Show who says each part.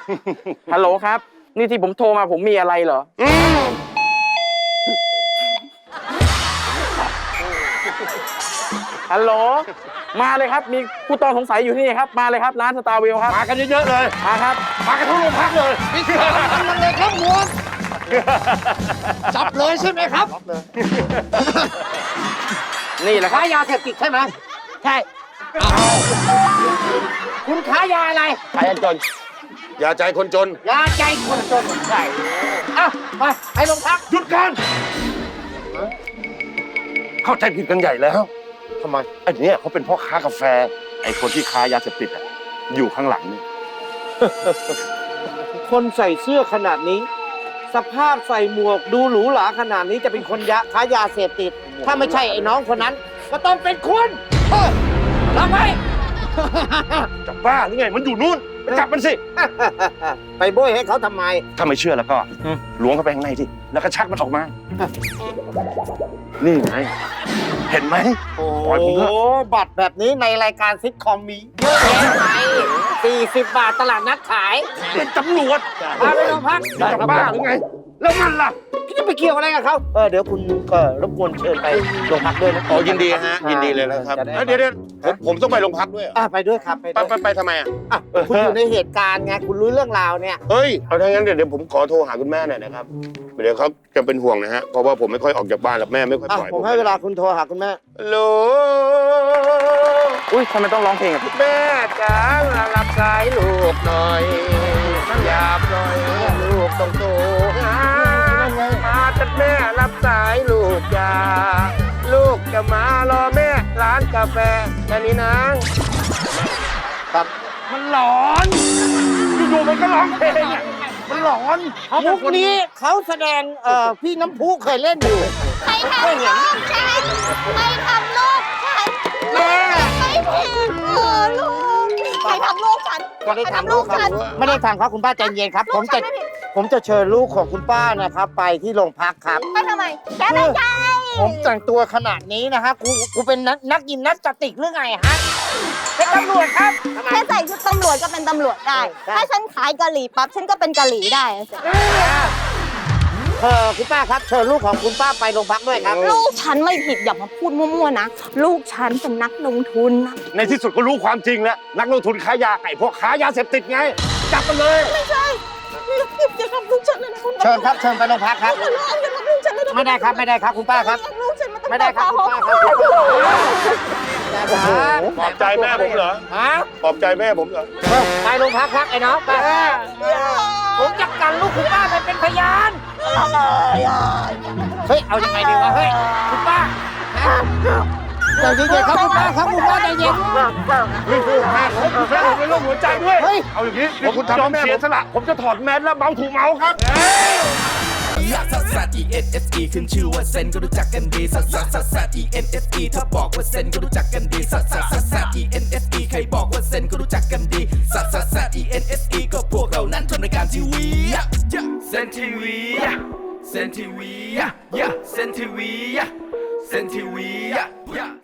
Speaker 1: ฮัลโหลครับนี่ที่ผมโทรมาผมมีอะไรเหรอฮัลโหลมาเลยครับมีผู้ต้องสงสัยอยู่ที่นี่ครับมาเลยครับร้านสตาร์เวลครับ
Speaker 2: มากันเยอะๆเลย
Speaker 1: มาครับ
Speaker 2: มากันทั้งโรงพักเลย
Speaker 3: มันเลยครับหมวดจับเลยใช่ไหมครับ
Speaker 1: นี่แหละครับ
Speaker 3: ค้ายาเสพติดใช่ไหมใช่คุณค้ายาอะไร
Speaker 1: ขายจน
Speaker 2: อย่าใจคนจน
Speaker 3: ยาใจคนจนใช่ไปโรงพัก
Speaker 2: หยุดกันเข้าใจผิดกันใหญ่แล้วทำไมไอ้เนี่ยเขาเป็นพ่อค้ากาแฟไอ้คนที่ค้ายาเสพติดอยู่ข้างหลังนี่
Speaker 3: คนใส่เสื้อขนาดนี้ สภาพใส่หมวกดูหรูหราขนาดนี้จะเป็นคนค้ายาเสพติด ถ้าไม่ใช่ไอ้น้องคนนั้น ก็ต้องเป็นคุณทำไม
Speaker 2: จะบ้าหรือไงมันอยู่นู่นไปจับมันสิ
Speaker 3: ไปโบยให้เขาทำไม
Speaker 2: ถ้าไม่เชื่อแล้วก็ล้วงเข้าไปข้างในสิแล้วก็ชักมันออกมา นี่ไงเห็นไหม
Speaker 3: โอ้
Speaker 2: ปล่อยผมเถอะ
Speaker 3: บัตรแบบนี้ในรายการซิทคอมมีเยอะแยะไป40 บาทตลาดนัดขาย
Speaker 2: เป็นตำรวจ
Speaker 3: พาไปโรงพัก
Speaker 2: จะบ้าหรือไง แล้วมันล่ะ
Speaker 3: พี่จะไปเกี่ยวอะไรกับเขาเดี๋ยวคุณรบกวนเชิญไปโรงพักด้วยนะ
Speaker 2: อ๋อยินดีฮะยินดีเลยนะครับ
Speaker 3: จะได้
Speaker 2: เดี๋ยวผมต้องไปโรงพักด้วยเหรอ
Speaker 3: ไปด้วยครับไปด้วย
Speaker 2: ไปทำไมอ่ะ
Speaker 3: คุณอยู่ในเหตุการณ์ไงคุณรู้เรื่องราวเนี่ย
Speaker 2: เฮ้ยเอาถ้างั้นเดี๋ยวผมขอโทรหาคุณแม่หน่อยนะครับเดี๋ยวเขาจะเป็นห่วงนะฮะเพราะว่าผมไม่ค่อยออกจากบ้านแล้วแม่ไม่ค่อยปล่อย
Speaker 3: ผมให้เวลาคุณโทรหาคุณแม่
Speaker 2: ฮัลโหล
Speaker 1: อุ้ยทำไมต้องร้องเพลงอ่ะ
Speaker 2: แม่จ๋ามารับสายลูกหน่อยหยาบหน่อยลูกต้องโตมาจัดแม่รับสายลูกจ๋าลูกจะมารอแม่ร้านกาแฟแค่นี้นะครับ มันหลอนอยู่ๆมันก็ร้องเพลงอ่ะมันหลอน
Speaker 3: มุกนี้เขาแสดงพี่น้ำพุเคยเล่นอยู่
Speaker 4: ใครทำลูกฉันใครทำลูกฉันไม่ผิดลูกใครทำลูกฉัน
Speaker 3: ก็ได้ทำลูกครับไม่ได้ทำครับคุณป้าใจเย็นครับ ผมจะเชิญลูกของคุณป้านะครับ ไปที่โรงพักครับ
Speaker 4: ไปทำไมแกไม่ใช่
Speaker 3: ผมแต่งตัวขนาดนี้นะฮะกูเป็นนักยิมนาสติกหรือไงฮะเป็นตำรวจครับ
Speaker 4: แค่ใส่ชุดตำรวจก็เป็นตำรวจได้ ถ้าฉันขายกะหรี่ปั๊บฉันก็เป็นกะหรี่ได้
Speaker 3: คุณป้าครับเชิญลูกของคุณป้าไปโรงพักด้วยครับ
Speaker 4: ลูกฉันไม่ผิดอย่ามาพูดมั่วๆนะ ลูกฉันเป็นนักลงทุนนะ
Speaker 2: ในที่สุดก็รู้ความจริงแล้วนักลงทุนค้ายาไก่พวกค้ายาเสพติดไงจับมันเลย
Speaker 4: ไม่ใช่อย่าทำลูกฉันเลยนะคุณ
Speaker 3: เชิญครับเชิญไปโรงพักครับ
Speaker 4: อย่าทำลูกฉันเลยนะ
Speaker 3: ไม่ได้ครับคุณป้าครับ
Speaker 4: ลูกฉันมันต้อง
Speaker 3: ไม่ได้ครับคุณป้าครับ
Speaker 2: ปลอบใจแม่ผมเหรอ
Speaker 3: ฮะ
Speaker 2: ปลอบใจแม่ผมเหรอ
Speaker 3: ไปโรงพักครับไอ้น้องไปผมจะกันลูกคุณป้าไปเป็นพยานเฮ้ยเอายังไงดีวะเฮ้ยคุณป้าใจเย็นๆครับคุณป้าครับคุณป้าใจเย็น
Speaker 2: แม่ผมเป็นโรคหัวใจด้วย
Speaker 3: เฮ้ย
Speaker 2: เอาอย่างนี้ผมยอมเสียสละผมจะถอดแมสแล้วเมาถูกเมาครับ
Speaker 5: ลักซัสซัส E N S E ขึ้นชื่อว่าเซนก็รู้จักกันดีซัสซัสซัสซัส E N S E ถ้าบอกว่าเซนก็รู้จักกันดีซัสซัสซัสซัส E N S E ใครบอกว่าเซนก็รู้จักกันดีซัสซัสซัส E N S E ก็พวกเรานั้นทำรายการทีวีเซนทีวีเซนทีวีเซนทีวีเซนทีวี